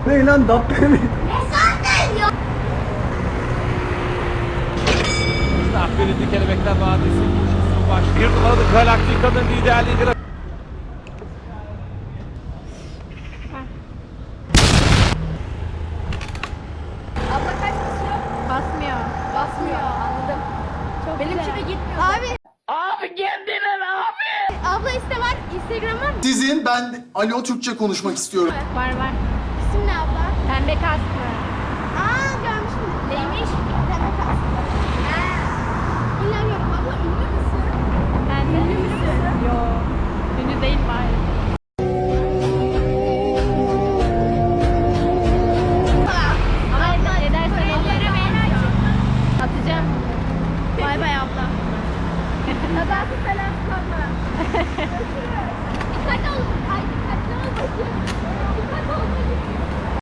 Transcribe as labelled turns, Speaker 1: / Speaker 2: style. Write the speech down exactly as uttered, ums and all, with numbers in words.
Speaker 1: Ne lan Dabbe mi?
Speaker 2: Birinci Kelebekler Vadisi koşusu baş. Bir numaralı Galaktika'nın liderliğidir.
Speaker 3: Abla kaç basıyor?
Speaker 4: Basmıyor.
Speaker 3: Basmıyor. Anladım.
Speaker 4: Çok
Speaker 3: Benimki
Speaker 4: güzel.
Speaker 3: de gitmiyor.
Speaker 4: Abi.
Speaker 2: Abi kendine abi.
Speaker 4: Abla iste var. Instagram var mı?
Speaker 5: Sizin ben Alo Türkçe konuşmak istiyorum.
Speaker 4: Var var.
Speaker 3: İsim ne abla?
Speaker 4: Pembe kasklı.
Speaker 3: Aa görmüşüm. Neymiş?